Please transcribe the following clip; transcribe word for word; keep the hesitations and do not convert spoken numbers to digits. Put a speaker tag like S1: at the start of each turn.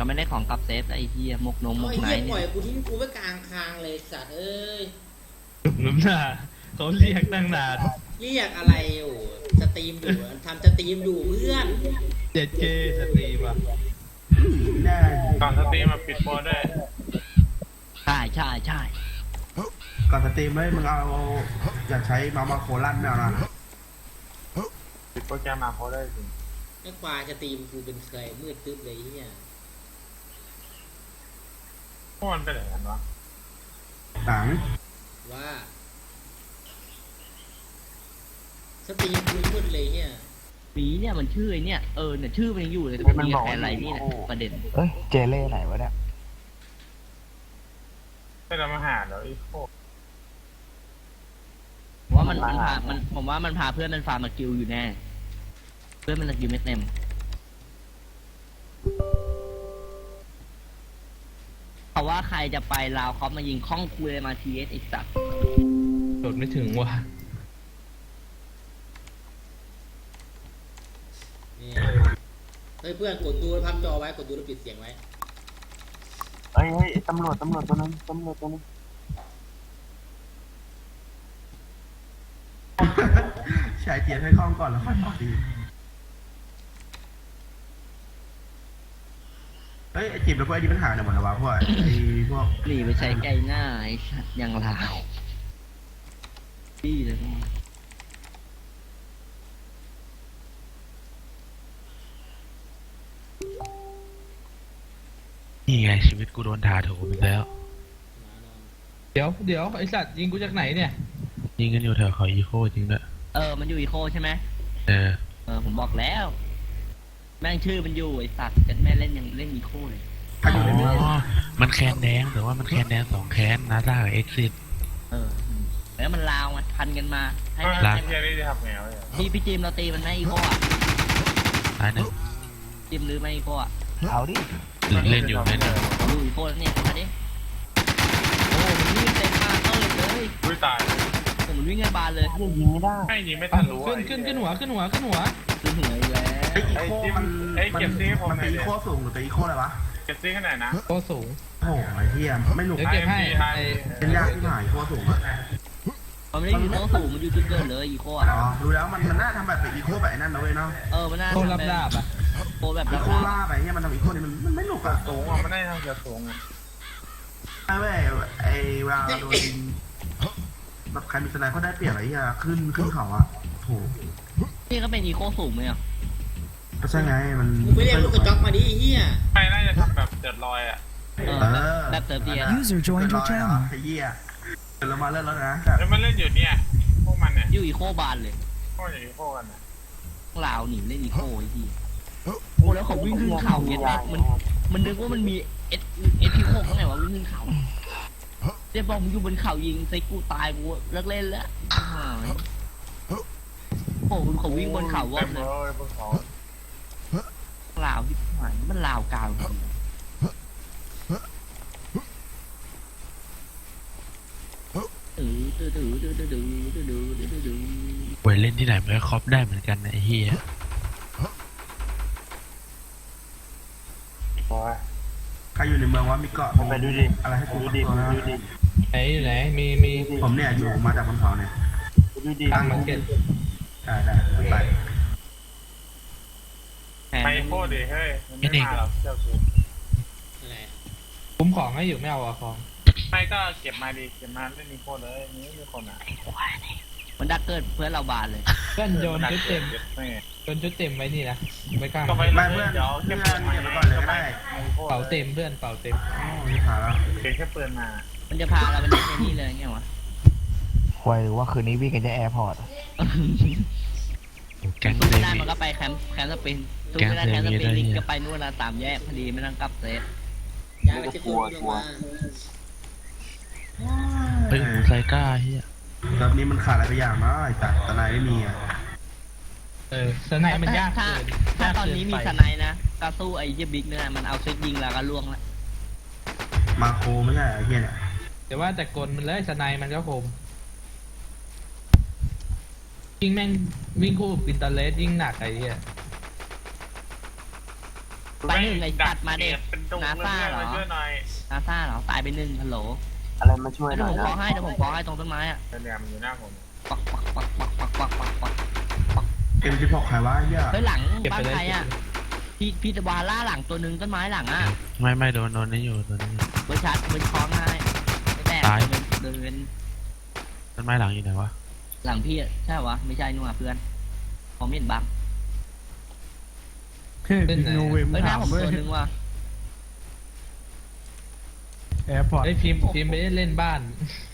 S1: ก็ไม่ได้ของกับเซฟไอ้เหี้ยมกนมม
S2: เอา
S1: ก
S2: ไอ้
S1: ไหน
S2: เหี้ยปล่อย
S1: เนี่ย
S2: กูทิ้งกูไว้กลางคางเลยสัตว์เอ้ย
S3: น้ำหน้าเขาเรียกตั้งนาน
S2: เรียกอะไรอยู่สตรีมอยู่ทำสตรีมอยู่เพื่อน
S3: เจ็ดเกสตรีมอ่ะ
S4: แน่
S5: ก่อนสตรีมมาปิดโปรด้วย
S1: ใช่ใช่ใช่
S4: ก่อนสตรีมเลยมึงเอาอยากใช้มามาโคลั่นแมวนะ
S5: ปิดโปรแกรมมาโปรได้จริง
S2: ไอ้ควายสตรีมกูเป็นเคยมืดตึ๊บเลยไอ้เหี้ย
S5: พวกมันเป็นอย่างนั้นวะ
S4: หนัง
S2: ว่าสตรีมกูมืดเลยเนี่ย
S1: หมีเนี่ยมันชื่อไอ้เนี่ยเออเนี่ยชื่อมันยังอยู่เลยแต่มันมีแค่อะไรนี่แหละประเด็น
S6: เอ้ยเจเล่ไหนวะเนี่ย
S5: ไม่เรามาหาแล้วไอ้โคตร
S1: ผมว่ามันมันพามันผมว่ามันพาเพื่อนมันฟาร์มมากิลอยู่แน่เพื่อนมันสกิลไม่เต็มเพราะว่าใครจะไปลาวเขามายิงข้องคุยมาทีเอสไอ้สัตว์
S3: โดดไม่ถึงว่ะ
S2: เนี่ยเฮ้ยเพื่อนกดดูแล้วพับจอไว้กดดูแล้วปิดเสียงไว้
S6: เฮ้ยเฮ้ยตำรวจตำรวจตัวนึงตำรวจตัวนึง
S4: ใช้เทียนให้คล่องก่อนแล้วค่อยต่อดีเฮ้ยไอจิบแล้วพวกไอ้นี่ปัญหาเนี่ยหมดแล้ววะพวกไอ้พวก
S1: หนีไปใช้ไกลหน้าไอ้สัตว์ยังลาวพี่เลย
S7: นี่ไงชีวิตกูโดนด่าโถมอีกแล้ว
S2: มานอน
S3: เดี๋ยวเดี๋ยวไอสัตว์ยิงกูจากไหนเนี่ย
S7: ยิงกันอยู่แถวเขาอีโคจริงด้วย
S1: เออมันอยู่อีโคใช่ไหม
S7: เออ
S1: เออผมบอกแล้ว แม่งชื่อมันอยู่ไอ้สัตว์กันแม่เล่นยังเล่นอีโคเลย
S4: ถ้าอ
S7: อ๋
S4: ยู่ในเมือง
S7: อ มันแคนแดงแต่ว่ามันแคนแดงสองแคนนาซากับเอ็กซิส
S1: เออแล้วมันลาวมาพันกันมาให้
S5: ไม่
S1: ให้
S7: ลา
S5: ไอ้เฮียนี่จะทำไงวะเนี่ย
S1: พี่พี่จิมเราตีมันไหมอีโคอ่ะ
S7: ตายหนึ่ง
S1: จิมหรือไม่อีโคอ่ะ
S6: เอาดิ
S7: หรือเล่นอยู่เล่นอยู่
S1: ดูอีโคแล้วเนี่ยมาดิโอ้มันวิ่งเต็มมาเติร์ดเลย
S5: อุ้ยตาย
S1: ผมมันวิ่งกันบานเลย
S6: ยิงไม่ได้
S5: ให้ยิงไม่ทันรู้
S3: ขึ้นขึ้นขึ้นหัวขึ้นหัวขึ้นหัว
S1: คือหัวอีกแล้ว
S4: ไออีโคมัน
S5: ไอ้เก็บซีให้ผม
S4: มัน
S5: หน่
S4: เป็
S5: อน ย
S4: อี
S5: ดิ
S4: โคสูงหรือเป็นอีโคอะไรวะ
S5: เก็บซีขนาดนะ
S3: โตสูง
S4: โอ้โหไอ้เหี้ยไม่หนุก
S3: เดี๋ยวเก็บให้ไอ
S4: เป็นยากที่หายอีโคสูงอะ
S1: มันไม่ได้อยู่โต๊ะสูงมันอยู่จุดเกิดเลยอีโคอ่ะ
S4: อ๋อดูแล้วมันมันน่าทำแบบเป็นอีโคแบบไอ้นั่นนะเว้ยเนาะ
S1: เออมันน่า
S3: โตรับดาบอ่ะ
S1: โคแบบ
S4: อี
S1: รับ
S4: โค
S1: ดาบ
S4: ล่าไปเนี่ยมันทำอีโคนี่มันมันไม่หนุกอะ
S5: สูงอ่ะไม่ได้ทำเกี่ยวสูงอ่ะ
S4: ไอ้เว้ยไอ้เวลาโดนแบบใครมีสไนเปอร์ได้เปรียบไอ้เหี้ยขึ้นขึ้นเขาอะโห
S1: นี่ก็เป็นอีโคสูงไหมอ่ะ
S4: ก็ใช่ไงมัน
S2: มึงไปเรียกลูกกระจอกมาดิไอ้เหี้ย
S5: ไม่น่าจะทำแบบเดือดลอยอ่ะ
S1: เออ
S4: เออ
S1: แบบเติร์ดเดีย
S8: User joined your channel
S4: ไอ้เหี้ยเดี๋ยวเรามาเล่นแล้วนะ
S5: แล้วมันเล่นอยู่เนี่ยพวกมันเนี่ย
S1: อยู่อีโคบานเลย
S5: พวกอย่างนี้พวกกันอ่ะ
S1: ลาวหนีเล่นอีโคไอ้ที่โอ้แล้วเขาวิ่งขึ้นเขาเงี้ยแม่มันมันนึกว่ามันมีเอสเอสพีโคข้างไหนวะวิ่งขึ้นเขาเรียบบอกมึงอยู่บนเขายิงใส่กูตายกูเลิกเล่นแล้วหายโอ้เขาวิ่งบนเขาวอ
S5: เต็
S1: ด
S5: ม
S1: เล
S5: เลย ยบนเขา
S1: ลาวที่หายมันลาวกลางตื้อตื้อตื้อตื้อตื้อตื้อตื้อตื้อตื้อตื้อ
S7: ไว้เล่นที่ไหนมันก็ครอปได้เหมือนกันนะไอ้เฮีย
S5: โอ้ย
S4: ใครอยู่ในเมืองว่ามีเกาะ
S6: ไปดูดิ
S4: อะไรให้กู
S6: ดู
S4: ฟัง
S6: ดิ
S4: ตัวนะ
S6: ดูดิ
S3: ไหนอยู่ไหนมีมี
S4: ผมเนี่ยอยู่มาจากบนเขาเนี่ย
S6: ดูดิ
S3: ตั้งมาร์เก็ต
S4: ได้ได้ไป
S5: ไปโคตรดิเฮ้ยมันไม่มาหรอกเจ้าสูง
S2: อะไร
S3: คุ้มของให้อยู่ไม่เอาอะของ
S5: ไม่ก็เก็บมาดิเก็บมาเล่นมีโคตรเลยนี่มีคนอ่ะ
S1: มันดักเกิดเพื่อนเราบานเลย
S3: เพื่อนโยนชุดเต็ม
S5: ไม่
S3: โยนชุดเต็มไว้นี่นะไม่กล้า
S5: ก็ไป
S4: ไม่
S5: เล่
S4: เพื่อน
S5: นเดี๋ยว
S4: เพื่
S5: เก็
S4: อบ น
S5: ปืนมา
S4: เก็บไปก่อนเลยก็ได้
S3: เป่าเต็มเพื่อนเป่าเต็ม
S4: อ๋อมีขาแล้ว
S5: เก็บแค่ปืนมา
S1: มันจะพาเราไปเล่นในนี่เลยไงวะ
S6: ควายว่าคืนนี้วิ่งกันจะแอร์พอร์ต
S7: แก๊ง
S1: สู้
S7: เซ
S1: ไม่ได้
S7: มิ
S1: มันก็ไปแคมป์แคมป์สปรินสู้
S7: แก๊ง
S1: ไม่ได้แคมป์สปริน
S7: เซมิ
S1: ลิง
S7: ได้
S1: ก็ไปนู่นนะตามแยกพอดีไม่ต้องกลับเซฟ
S2: ย้ายไปเช็คตัวลงมา
S7: เฮ้ยหูไซก้าเฮีย
S4: ตอนนี้มันขาดอะไรไปอย่างมากไอ้จัดตะไนไม่มีอ่ะ
S3: เออสไนมันยาก
S1: ถ้า
S3: เกิน
S1: ถ้าย
S3: ก
S1: ตอน
S3: เกิ
S1: นี้มี
S3: ไป
S1: สไนด์นะก็สู้ไอ้เหี้ยบิ๊กเนี่ยมันเอาเซตยิงแล้วก็ล่วงละ
S4: มาโคไม่ใช่ไอ้เหี้ยเนี่ย
S3: แต่ว่าแต่กลมันเลยสไนมันก็คมยิงแม่งวิ่งคู่กับปินตาเลสยิ่งหนักไอ้เหี้ย
S1: ไปหนึ่งไอ้สัตว์มาเด็ก
S5: เป็นตุ่ม
S1: นา
S5: เลย
S1: ซ่า
S5: เพื่อน
S1: เหรอ
S5: มาช่วยหน่อย
S1: นาซ่าเหรอตายไปหนึ่งฮัลโหล
S6: อะไรมาช่วยห
S1: เดี๋
S6: น่
S1: ยว
S6: อย
S1: ผม
S6: นะ
S1: ขอให้เดี๋ยวผมขอให้ตรงต้นไม้อะ
S5: แต่เนี่ยมันอยู่หน้าผม
S1: ปักปักปักปักปักปักปักปัก
S4: เอ็มสิบหกใครวะไอ้เหี้ย
S1: เฮ้ยหลัง
S3: เก็บ
S1: บ้า
S3: ไป
S1: น
S3: เลย
S1: ใครอะพี่พี่ตะวาล่าหลังตัวหนึ่งต้นไม้หลังอะ
S7: ไม่ไม่โดนโดนนี่อยู่โดนนี่อยู่
S1: เบอร์ชัดเบอร์คล้องให้ไม่แตก
S7: ตาย
S1: เดินเดิน
S7: ต้นไม้หลังอยู่ไหนวะ
S1: หลังพี่อะใช่วะไม่ใช่นู่นอะเพื่อนผมเห็นบัง
S3: เล่นไหน
S1: เฮ้ยหน้าผมตัวหนึ่งว่ะ
S4: แอร์พอร์ต
S3: ไอ้ยพิมพ์พิมพ์ไปเล่นบ้าน